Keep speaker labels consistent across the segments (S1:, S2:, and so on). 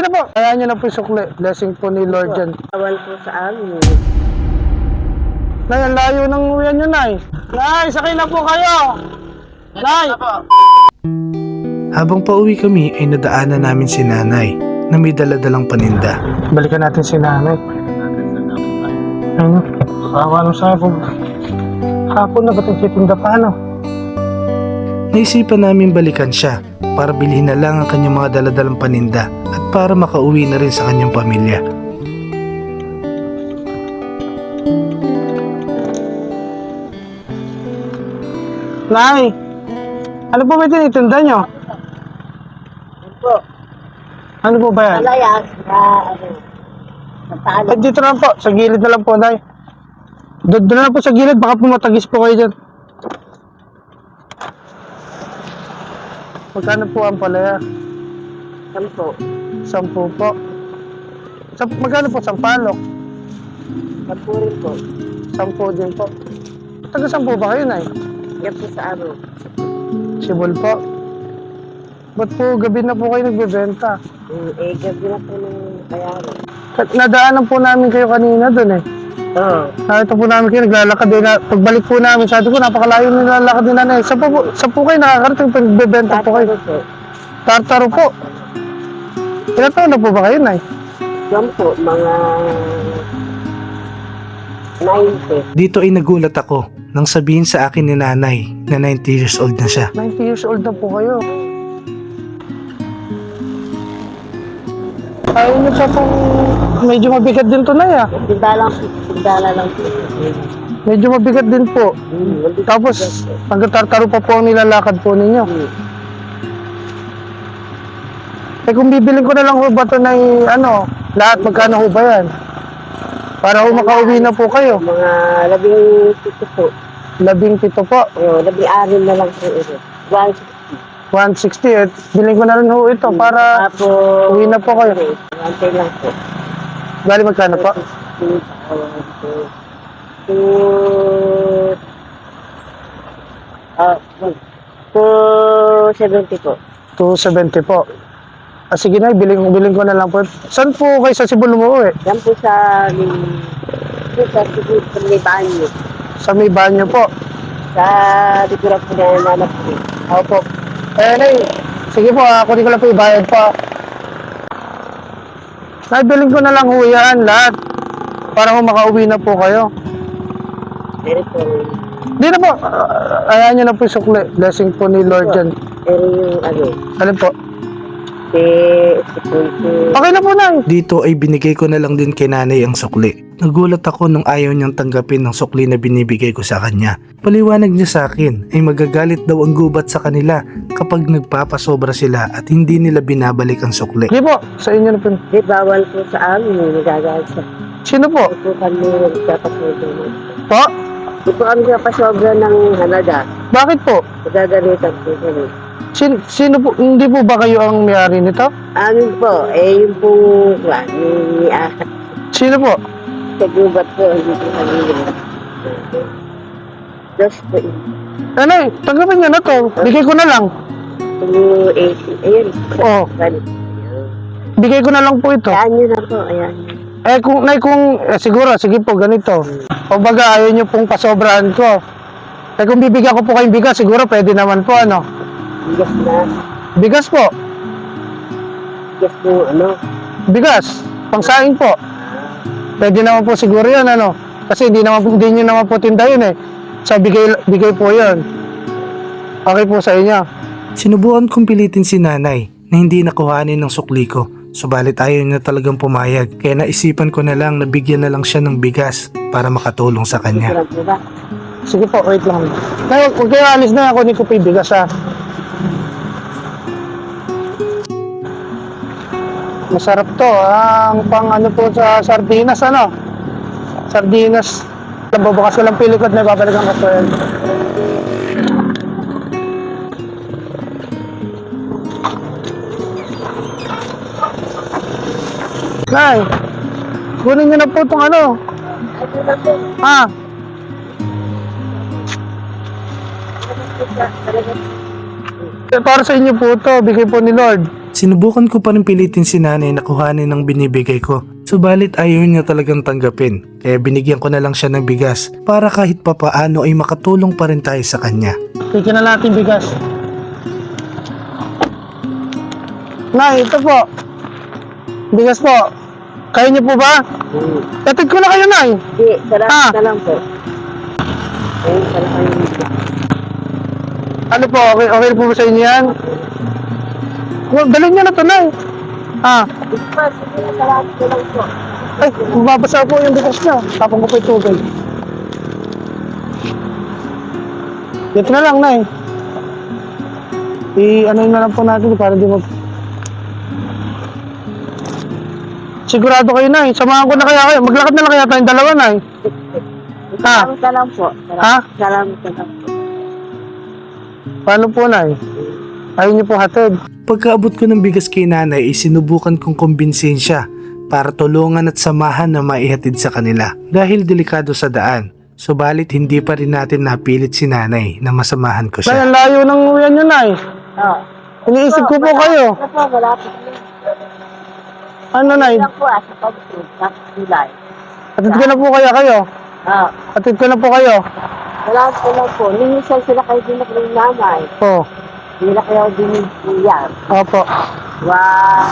S1: Hindi na po. Kaya nyo na po yung sukli. Blessing po ni Lord yan.
S2: Bawal po sa amin.
S1: Nay, ang layo ng uwian nyo, Nay. Nay, sakay na po kayo. Nay!
S3: Habang pauwi kami ay nadaanan namin si nanay na may daladalang paninda.
S1: Balikan natin si nanay. Ano? Kawa nung sa po. Hapon na ba't nagtitinda pa, ano?
S3: Naisipan namin balikan siya para bilhin na lang ang kanyang mga daladalang paninda at para makauwi na rin sa kanyang pamilya.
S1: Nay! Ano po ba tinitinda nyo?
S2: Po,
S1: Ano po ba yan?
S2: malayas na sa talo.
S1: Ay, dito na lang po. Sa gilid na lang po, Nay. Doon na lang po sa gilid. Baka pumatagis po kayo dyan. Magkano po ang palaya?
S2: 10.
S1: 10 po. Magkano po sampalok?
S2: 10 rin po.
S1: 10 din po. Taga 10 ba kayo, Nay?
S2: Yan po sa ano.
S1: Sibol po. Ba't po gabi na po kayo nagbebenta?
S2: Gabi na po ng bayaran.
S1: Nadaanan po namin kayo kanina doon eh.
S2: Oo.
S1: Nakita po namin kayo naglalakad din. Pagbalik po namin, sabi ko napakalayo na nilalakad din na eh. Sa po kayo nakakarating pag nagbebenta po kayo?
S2: Po.
S1: Tartaro po. Ilan taon na po ba kayo, Nay?
S2: Yan po, mga 90.
S3: Dito ay nagulat ako nang sabihin sa akin ni nanay na 90 years old na siya.
S1: 90 years old na po kayo. Ayaw niyo siya pong medyo mabigat din to, Nay, ah.
S2: Tindala lang po.
S1: Medyo mabigat din po. Tapos, hanggang tartaro pa po ang nilalakad po ninyo. Eh kung bibiling ko na lang ho ba ito na ano, lahat magkano ho ba yan? Para ho makauwi na po kayo.
S2: Mga 17 po.
S1: 17 po.
S2: 16 na lang po ito.
S1: 160 at biling ko na rin ho ito para
S2: Tapos,
S1: uwi na po kayo.
S2: 1 lang po.
S1: Bali magkano po?
S2: 270 po.
S1: 270 po. Ah, sige na, biling ko na lang po. Saan po kayo sa Cebu umuwi?
S2: Yan po sa may banyo.
S1: Sa may banyo po.
S2: Sa dikura po na nanak po.
S1: Opo. Eh, Nay, sige po, kunin ko lang po yung bayad po. Nay, biling ko na lang ho yan lahat. Para ho makauwi na po kayo.
S2: Pero po,
S1: Hindi na po. Ayan nyo na po yung sukli. Blessing po ni Lord yan.
S2: pero yung ano,
S1: Alin po?
S2: po.
S1: Okay na po, Nay.
S3: Dito ay binigay ko na lang din kay nanay ang sukli. Nagulat ako nung ayaw niyang tanggapin ng sukli na binibigay ko sa kanya. Paliwanag niya sa akin ay magagalit daw ang gubat sa kanila kapag nagpapasobra sila at hindi nila binabalik ang sukli.
S1: Sige po, sa inyo na po.
S2: Di bawal po sa amin, nagagalit sa.
S1: Sino po?
S2: Di po kami nagpapasobra.
S1: Po?
S2: Di po kami nagpapasobra ng halaga.
S1: Bakit po?
S2: Nagagalitan po kami.
S1: Sino po? Hindi po ba kayo ang may-ari nito?
S2: Amin po, yung po, yung
S1: Sino po?
S2: kagubat po, hindi po kami Dos po,
S1: Nay, tanggapin nyo na to. Bigay ko na lang.
S2: 280, ayun.
S1: Oo. Bigay ko na lang po ito.
S2: Ayan nyo na po, ayan.
S1: Eh kung siguro, sige po, ganito. O baga, ayaw nyo pong pasobrahan ko. Eh kung bibigyan ko po kayong bigas, siguro pwede naman po, ano?
S2: Bigas na,
S1: Bigas po.
S2: bigas po, ano.
S1: Bigas. Pangsaing po. Pwede naman po siguro yun, ano? Kasi hindi nyo naman po tinda yun eh. So, bigay po yun. Okay po sa inyo.
S3: Sinubukan kong pilitin si nanay na hindi nakuhanin ng sukli ko. Subalit ayaw niya talagang pumayag. Kaya naisipan ko na lang na bigyan na lang siya ng bigas para makatulong sa kanya.
S2: Sarap po ba?
S1: Sige po, wait lang. Ngayon, kung kayo alis na, kunin ko po yung bigas, ha? Masarap to. Ang pang ano po sa sardinas, ano? Sardinas. Babakas ko lang pilikot na babalikan ko po yan. Nay, kunin nyo na po itong ano. Ha? Para sa inyo po ito, bigay po ni Lord.
S3: Sinubukan ko pa rin pilitin si nanay na kuhanin ng binibigay ko. Subalit ayaw niya talagang tanggapin, kaya binigyan ko na lang siya ng bigas para kahit papaano ay makatulong pa rin tayo sa kanya.
S1: Tignan na natin bigas. Nay, ito po. Bigas po. Kaya niyo po ba? Tatid ko na kayo, Nay.
S2: Hindi, salamat
S1: Ah.
S2: na lang po. Ayun, salamat kayo dito.
S1: Ano po, okay po ba sa inyo yan? Dalhin niyo na ito, Nay.
S2: Sige, salamat na lang po.
S1: Ay, mababasa po yung bigas niya. Tapong ko po yung tubig. Dito na lang, Nay. Ano na lang po natin para di mag... Sigurado kayo, Nay. Samahan ko na kaya kayo. Maglakad na lang kaya tayong dalawa, Nay.
S2: Salamat na lang po.
S1: Ha?
S2: Salamat na lang po.
S1: Paano po, Nay? Ayaw niyo po hatid.
S3: Pagkaabot ko ng bigas kay nanay, sinubukan kong kumbinsihin siya para tulungan at samahan na maihatid sa kanila dahil delikado sa daan. Subalit hindi pa rin natin napilit si nanay na masamahan ko
S1: Nay,
S3: siya.
S1: ang layo ng uyan niyo, Nay.
S2: Oo.
S1: Iniisip ko po kayo.
S2: Ano po, malapit na.
S1: Ano, Nay?
S2: Lang po sa pag-food, sa July.
S1: Hatid ko na po kaya kayo.
S2: Oo.
S1: Hatid ko na po kayo.
S2: Salamat na lang po. Minsan sila kayo din ng nanay.
S1: Po.
S2: Hindi na kayo din ng kuya.
S1: Opo.
S2: Wow.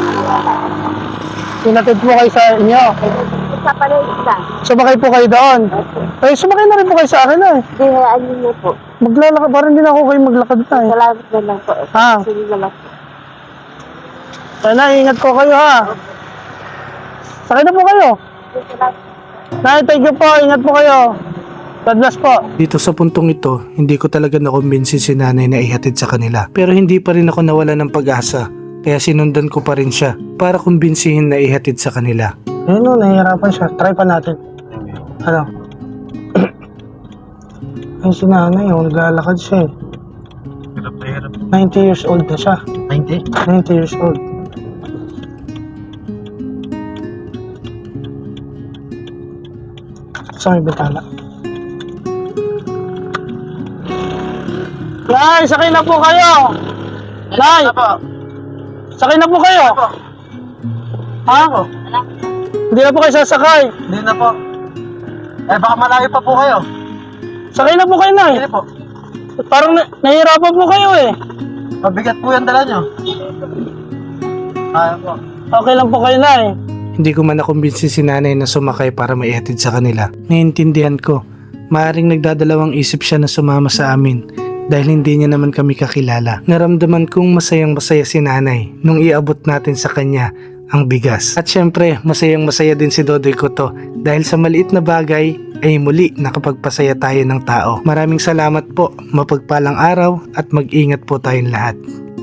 S1: Hinatid po kayo sa inyo.
S2: Isa pala yung isa.
S1: Sumakay po kayo doon. Eh, sumakay na rin po kayo sa akin, Nay.
S2: Hindi, hayaan niyo po.
S1: Maglalakad. Parang hindi na ako kayo maglakad, Nay.
S2: Salamat na lang po.
S1: Ah.
S2: Sige na lang po.
S1: Ay, Nay, ingat po kayo, ha. Sakay na po kayo.
S2: Salamat.
S1: Nay, thank you po. Ingat po kayo. God bless po.
S3: Dito sa puntong ito, hindi ko talaga nakumbinsin si nanay na ihatid sa kanila. Pero hindi pa rin ako nawala ng pag-asa. Kaya sinundan ko pa rin siya para kumbinsihin na ihatid sa kanila.
S1: Ayun o, nahihirapan siya. Try pa natin. Ano? Ay, si nanay, naglalakad siya eh. 90 years old na siya.
S4: 90?
S1: 90 years old. Sa may bintana. Nay, sakay na po kayo! Nay! Sakay na po kayo! Ha? Hindi na po kayo sasakay.
S4: Hindi na po. Eh, baka malayo pa po kayo.
S1: Sakay na po kayo, Nay.
S4: Hindi po.
S1: Parang nahihirapan po kayo eh.
S4: Mabigat po yung dala nyo. Kaya po.
S1: Okay lang po kayo, Nay.
S3: Hindi ko man nakumbinsin si nanay na sumakay para maihatid sa kanila. Naiintindihan ko, maaaring nagdadalawang isip siya na sumama sa amin dahil hindi niya naman kami kakilala. Naramdaman kong masayang masaya si nanay nung iabot natin sa kanya ang bigas. At syempre, masayang masaya din si Dodoy ko to dahil sa maliit na bagay ay muli nakapagpasaya tayo ng tao. Maraming salamat po, mapagpalang araw at mag-ingat po tayong lahat.